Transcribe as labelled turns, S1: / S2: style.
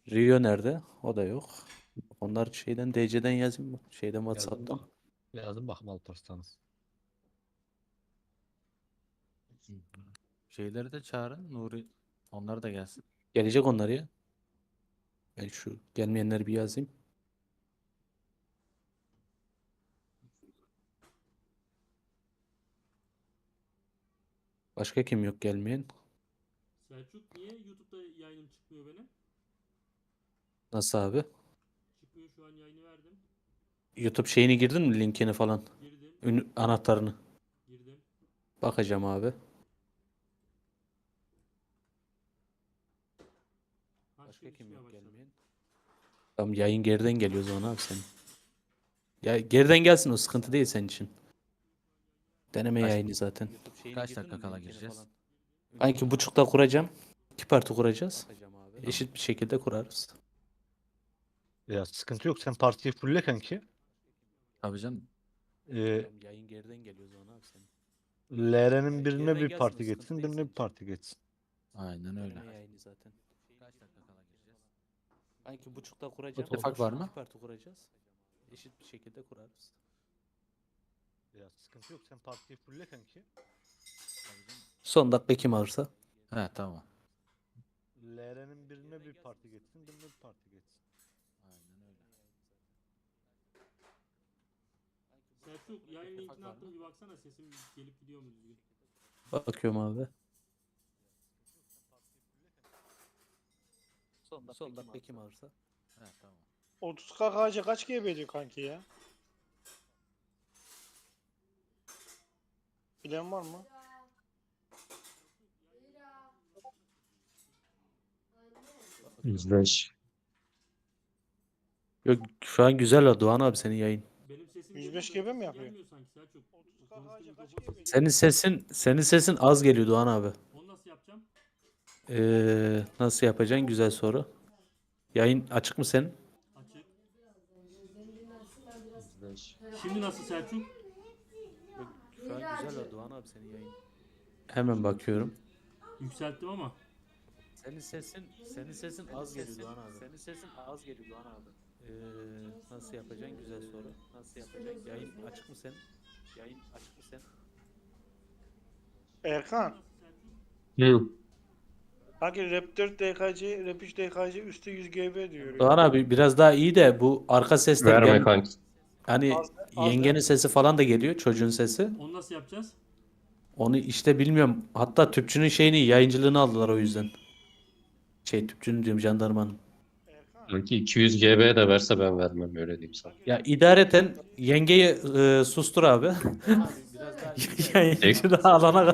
S1: Rio nerede? O da yok. Onlar şeyden DC'den yazayım mı? Şeyden
S2: Yazdım
S1: WhatsApp'tan.
S2: bak. Yazdım bakım Alparslan'ız. Şeyleri de çağırın. Nuri. Onlar da gelsin.
S1: Gelecek onlar ya. Ben şu gelmeyenleri bir yazayım. Başka kim yok gelmeyen?
S3: Selçuk niye YouTube'da yayınım çıkmıyor benim?
S1: Nasıl abi?
S3: Çıkmıyor, şu an yayını verdim.
S1: YouTube şeyini girdin mi? Linkini falan.
S3: Girdim.
S1: Anahtarını.
S3: Girdim.
S1: Bakacağım abi. Başka kim yok gelmeyen? Tamam yayın geriden geliyor o zaman abi senin. Ya geriden gelsin, o sıkıntı değil senin için. Deneme
S2: Kaç-
S1: yayını zaten.
S2: Kaç dakika kala gireceğiz?
S1: Ben 2.30'da kuracağım. 2 parti kuracağız. Eşit bir şekilde kurarız.
S4: Ya sıkıntı yok. Sen partiyi fulle kanki.
S2: Tabii canım.
S1: Tamam, yayın geriden geliyor o zaman abi senin.
S4: LR'nin birine
S1: geriden
S4: bir
S1: gelsin,
S4: parti
S1: o sıkıntı
S4: geçsin,
S1: değil
S4: birine
S1: senin
S4: bir
S1: için.
S4: parti geçsin.
S2: Aynen öyle.
S1: Deneme yayını zaten.
S2: Kaç dakika kala gireceğiz?
S1: Ben 2.30'da kuracağım.
S2: İttifak var mı?
S1: 2 parti kuracağız. Eşit bir şekilde kurarız.
S4: Ya sıkıntı yok. Sen partiyi fulle kanki.
S1: Son dakika kim alırsa.
S2: He tamam.
S4: LR'nin birine bir parti geçsin, birine bir parti geçsin.
S2: Aynen öyle.
S3: Selçuk yayın linkini attım, bir baksana sesim gelip gidiyor mu düzgün?
S1: Bakıyorum abi. Son dakika kim alırsa.
S2: He tamam.
S5: 30 KKC kaç GB diyor kanki ya? Bilen var mı?
S1: Yok şu an güzel o Doğan abi senin yayın.
S3: Benim sesim
S5: 105
S3: geliyor da
S5: GB mi
S3: sesin
S5: yapıyor?
S3: gelmiyor sanki Selçuk.
S5: 30
S3: Konuştuğum
S5: KKC kaç
S3: mikrofon
S5: GB?
S3: sesi.
S1: Senin sesin az geliyor Doğan abi.
S3: Onu nasıl yapacağım?
S1: Nasıl yapacaksın? Güzel soru. Yayın açık mı senin?
S3: Açık. Şimdi nasıl Selçuk?
S1: Şu an güzel o Doğan abi senin yayın. Hemen bakıyorum.
S3: Yükselttim ama.
S1: Senin sesin az geliyor Doğan abi. Senin sesin az geliyor Doğan abi. Nasıl yapacaksın? Güzel soru. Nasıl yapacaksın? Yayın açık mı senin? Yayın açık mı senin?
S5: Erkan.
S6: Hı.
S5: Kanki Rap 4 DKC, Rap 3 DKC üstü 100 GB diyor.
S1: Doğan abi biraz daha iyi de bu arka sesler
S6: Verme kanki.
S1: Hani
S5: Az
S1: yengenin sesi falan da geliyor, çocuğun sesi.
S3: Onu nasıl yapacağız?
S1: Onu işte bilmiyorum. Hatta tüpçünün şeyini, yayıncılığını aldılar o yüzden. Tüpçünün diyorum, jandarmanın.
S5: Erkan.
S6: Kanki 200 GB de verse ben vermem öyle diyeyim sana.
S1: Ya idareten yengeyi sustur abi. Yayıncılığı alana